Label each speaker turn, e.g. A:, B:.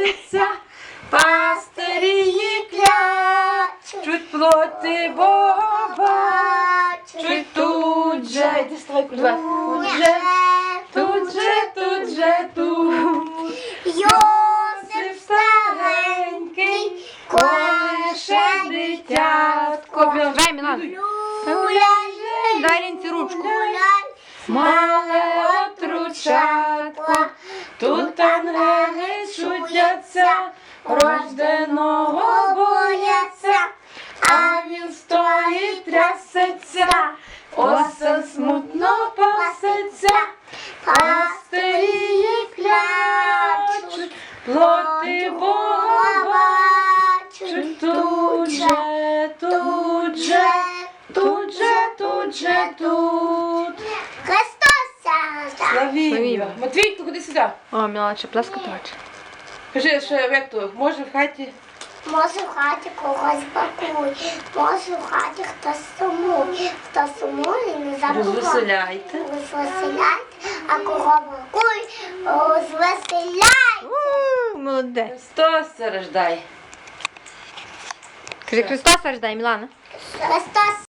A: трясеться, пастирі клячуть, плоти Бога бачуть, тут же, йди ставай кульбас, тут же, Йосип старенький, колише дитятко.
B: Дай, Мілан. Дай Лінці ручку.
A: Мале отручатко, тут ангели чудяться, рожденого бояться, а він стоїть трясеться, осел смутно пасеться, пастирі клячуть, плоти Бога бачуть, тут же, тут. Славімо. Матвійко, ходи сюди.
B: О, Мілан, ще плескати хоче.
A: Кажи, що як то, може в хаті?
C: Може в хаті когось бакує, може в хаті хтось сумує. Хто сумує, не забуває.
A: Розвеселяйте.
C: Розвеселяйте, а кого бакує, розвеселяйте.
B: Молодець.
A: Христос рождай.
B: Кажи, Христос рождай, Мілана.
C: Христос